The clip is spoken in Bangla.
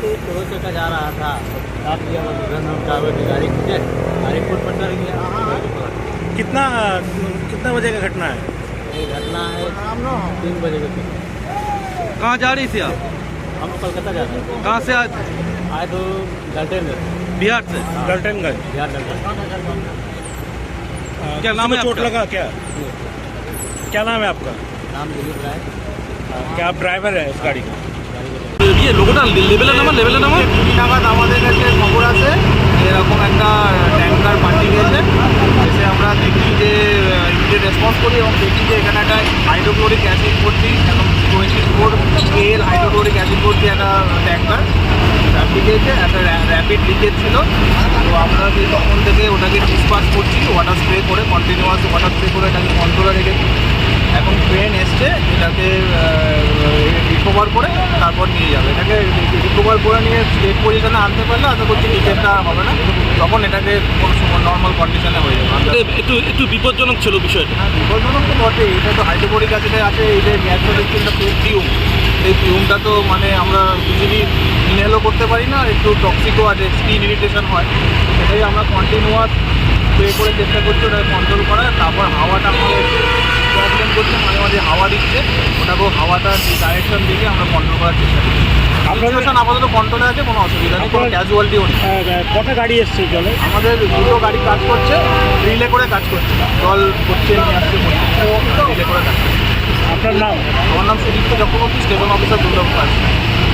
से का जा रहा था, साथ दिया ड्राइवर की गाड़ी फुट पर चढ़ गया। कितना कितना बजे का घटना है? ये घटना है 3 बजे के पीछे। कहाँ जा रही थी आप? हम कोलकाता जा रहे थे। कहाँ से आज? आए तो गलटेनगंज, बिहार से। गलटनगंज। बिहार गलटेन। क्या नाम है चोट आपका? लगा क्या? क्या नाम है आपका? नाम दिलीप राय। क्या आप ड्राइवर है इस गाड़ी का? ইয়ে লোকটা লেভেলের নামা কুড়ি নাগাদ আমাদের কাছে খবর আছে এরকম একটা ট্যাঙ্কার পাল্টি গেছে। এসে আমরা দেখি যে ইমিডিয়েট রেসপন্স করি এবং দেখি যে এখানে একটা হাইড্রোক্লোরিক অ্যাসিড ভর্তি এবং 24 KL হাইড্রোক্লোরিক অ্যাসিড ভর্তি একটা ট্যাঙ্কার পাল্টি গেছে। একটা র্যাপিড লিকেজ ছিল। তো আমরা যে তখন থেকে ওটাকে ডিসপাস করছি ওয়াটার স্প্রে করে, কন্টিনিউয়াস ওয়াটার স্প্রে করে এটাকে কন্ট্রোলে রেখেছি। এখন ট্রেন এসছে, এটাকে রিকভার করে তারপর নিয়ে যাবে। এটাকে রিকভার করে নিয়ে স্টেট পজিশনে আনতে পারলে আশা করছি লিকেজটা হবে না, তখন এটাকে কোনো সময় নর্মাল কন্ডিশনে হয়ে যাবে। একটু বিপজ্জনক ছিল বিষয়টা। হ্যাঁ, বিপজ্জনক তো বটেই। এটা তো হাইড্রোক্লোরিক অ্যাসিডে আছে, এই যে ন্যাচারাল একটা ফিউম, এই ফিউমটা তো মানে আমরা ইজিলি ইনহেলও করতে পারি না, একটু টক্সিকও আছে, স্কিন ইরিটেশন হয়। সেটাই আমরা কন্টিনিউয়াস স্প্রে করে চেষ্টা করছি ওটাকে কন্ট্রোল করার। তারপর হাওয়াটা আমাদের প্রবলেম করছে, মাঝে মাঝে হাওয়া দিচ্ছে, ওটাকেও হাওয়াটা ডাইরেকশন দিকে আমরা কন্ট্রোল করার চেষ্টা করছি। সিচুয়েশন আপাতত কন্ট্রোলে আছে, কোনো অসুবিধা নেই, কোনো ক্যাজুয়ালিটিও নেই। কটা গাড়ি এসছে জলে? আমাদের দুটো গাড়ি কাজ করছে, রিলে করে কাজ করছে, জল করছে নিয়ে আসছে, রিলে করে কাজ করছে। আপনার নাম? আমার নাম সুদীপ্ত চক্রবর্তী, স্টেশন অফিসার দুর্গাপুর।